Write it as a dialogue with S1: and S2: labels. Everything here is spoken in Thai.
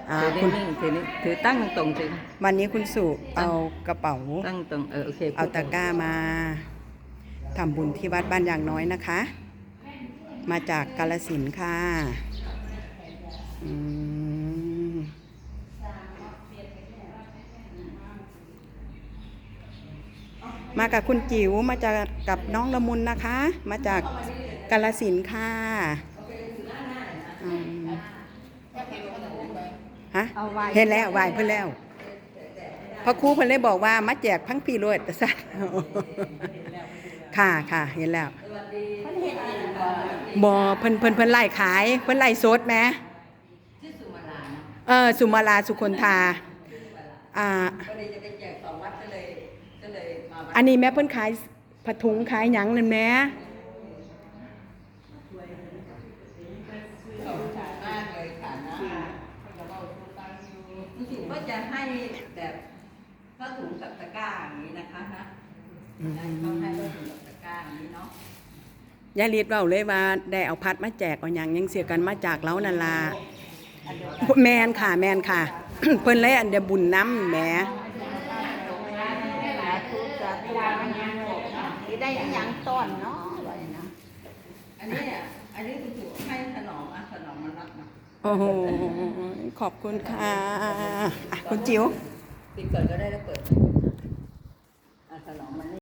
S1: คุ
S2: คุณ
S1: ณนิ่งถือตั้งตรงๆสิ
S2: วันนี้คุณสุเอากระเป๋า
S1: ตั้งตรงโอเค
S2: เอาตะกร้ามาทำบุญที่วัดบ้านยางน้อยนะคะ มาจากกาฬสินธุ์ค่ะอืมมากับคุณจิ๋วมาจากกับน้องละมุนนะคะ มาจากกาฬสินธุ์ค่ะอืมฮะเห็นแล้วไหวเพื่อนแล้วพระครูเพิ่นเลยบอกว่ามาแจกพังปีโรดแต่สัตว์ค่ะค่ะเห็นแล้วบ่เพิ่นไล่ขายเพิ่นไล่สดแหมสุมาลาสุคนธาอันนี้แม่เพิ่นขายผัดถุงขายหยังนั่นแหม
S1: จริงๆก็จะให้แบบผ้าถุงกับตะกร้าอย่างนี้นะคะนะต้องให้ผ้าถุงกับตะกร้าอย่างนี้เนาะ
S2: ยายลีดเว้าเลยว่าได้เอาพัดมาแจกเอาหยังเสียกันมาจากเล้านั่นล่ะแมนค่ะแมนค่ะ เพิ่นเลยอันเดียบุญน้ำแหม
S3: ได้ยังต้นเนาะ
S1: อันนี้ถูกให้ถนอมถนอมมันรับมา
S2: โอ้โหขอบคุณค่ะคุณจิ๋ว
S1: ปิดก่อนก็ได้แล้วเปิดถนอมมัน